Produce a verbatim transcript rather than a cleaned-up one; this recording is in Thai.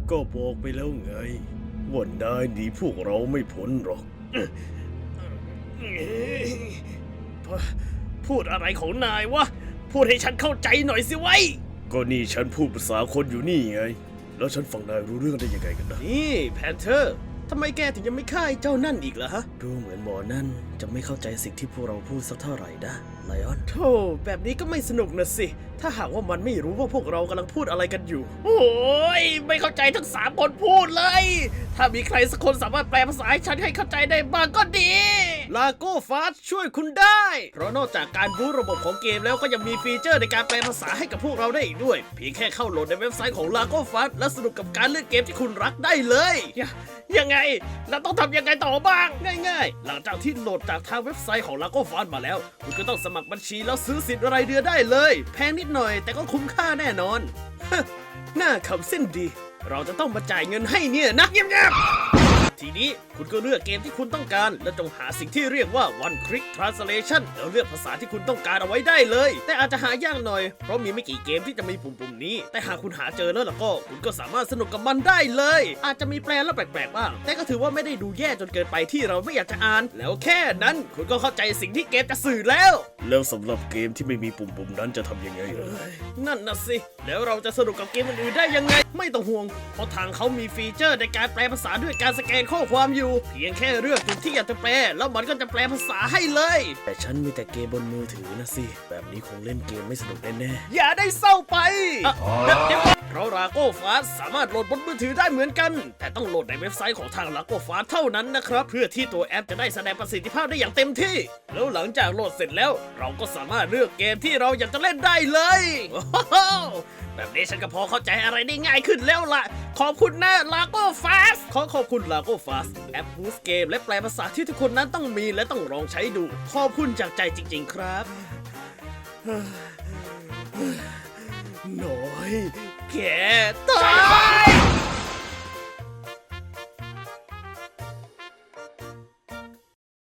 ก็บอกไปแล้วไงว่านายหนีพวกเราไม่พ้นหรอกพูดอะไรของนายวะพูดให้ฉันเข้าใจหน่อยสิไว้ก็นี่ฉันพูดภาษาคนอยู่นี่ไงแล้วฉันฟังนายรู้เรื่องได้ยังไงกันนะนี่แพนเทอร์ทำไมแกถึงยังไม่ฆ่าไอ้เจ้านั่นอีกล่ะฮะดูเหมือนหมอนั่นจะไม่เข้าใจสิ่งที่พวกเราพูดสักเท่าไหร่นะไลออนโธ่แบบนี้ก็ไม่สนุกนะสิถ้าหากว่ามันไม่รู้ว่าพวกเรากำลังพูดอะไรกันอยู่โอ้ยไม่เข้าใจทั้งสามคนพูดเลยถ้ามีใครสักคนสามารถแปลภาษาให้ฉันให้เข้าใจได้บ้างก็ดีลาโก้ฟาสช่วยคุณได้เพราะนอกจากการรู้ระบบของเกมแล้วก็ยังมีฟีเจอร์ในการแปลภาษาให้กับพวกเราได้อีกด้วยเพียงแค่เข้าโหลดในเว็บไซต์ของลาโก้ฟาสและสนุกกับการเล่นเกมที่คุณรักได้เลยยังไงเราต้องทำยังไงต่อบ้างง่ายๆหลังจากที่โหลดจากทางเว็บไซต์ของ Lago Fast มาแล้วคุณก็ต้องสมัครบัญชีแล้วซื้อสิทธิ์รายเดือนได้เลยแพงนิดหน่อยแต่ก็คุ้มค่าแน่นอนหน้าขำเส้นดีเราจะต้องมาจ่ายเงินให้เนี่ยนะเงียบๆทีนี้คุณก็เลือกเกมที่คุณต้องการและจงหาสิ่งที่เรียกว่า one click translation แล้วเลือกภาษาที่คุณต้องการเอาไว้ได้เลยแต่อาจจะหายากหน่อยเพราะมีไม่กี่เกมที่จะมีปุ่มๆนี้แต่หากคุณหาเจอแล้วล่ะก็คุณก็สามารถสนุกกับมันได้เลยอาจจะมีแปลแล้วแปลกๆบ้างแต่ก็ถือว่าไม่ได้ดูแย่จนเกินไปที่เราไม่อยากจะอ่านแล้วแค่นั้นคุณก็เข้าใจสิ่งที่เกมจะสื่อแล้วแล้วสำหรับเกมที่ไม่มีปุ่มๆนั้นจะทำยังไงล่ะนั่นน่ะสิแล้วเราจะสนุกกับเกมอื่นๆได้ยังไงไม่ต้องห่วงเพราะทางเขามีฟีเจอร์ในการแปลภาษาด้วยการสแกนข้อความอยู่เพียงแค่เลือกจุดที่อยากจะแปลแล้วมันก็จะแปลภาษาให้เลยแต่ฉันมีแต่เกมบนมือถือนะสิแบบนี้คงเล่นเกมไม่สนุกแน่ๆอย่าได้เศร้าไปเพราะ Lago Fast สามารถโหลดบนมือถือได้เหมือนกันแต่ต้องโหลดในเว็บไซต์ของทาง Lago Fast เท่านั้นนะครับเพื่อที่ตัวแอปจะได้แสดงประสิทธิภาพได้อย่างเต็มที่แล้วหลังจากโหลดเสร็จแล้วเราก็สามารถเลือกเกมที่เราอยากจะเล่นได้เลยแบบนี้ฉันก็พอเข้าใจอะไรได้ง่ายขึ้นแล้วล่ะขอบคุณนะ Lago Fast ขอขอบคุณ Lago Fast แอปบูสต์เกมและแปลภาษาที่ทุกคนนั้นต้องมีและต้องลองใช้ดูขอบคุณจากใจจริงๆครับน้อยแกตาย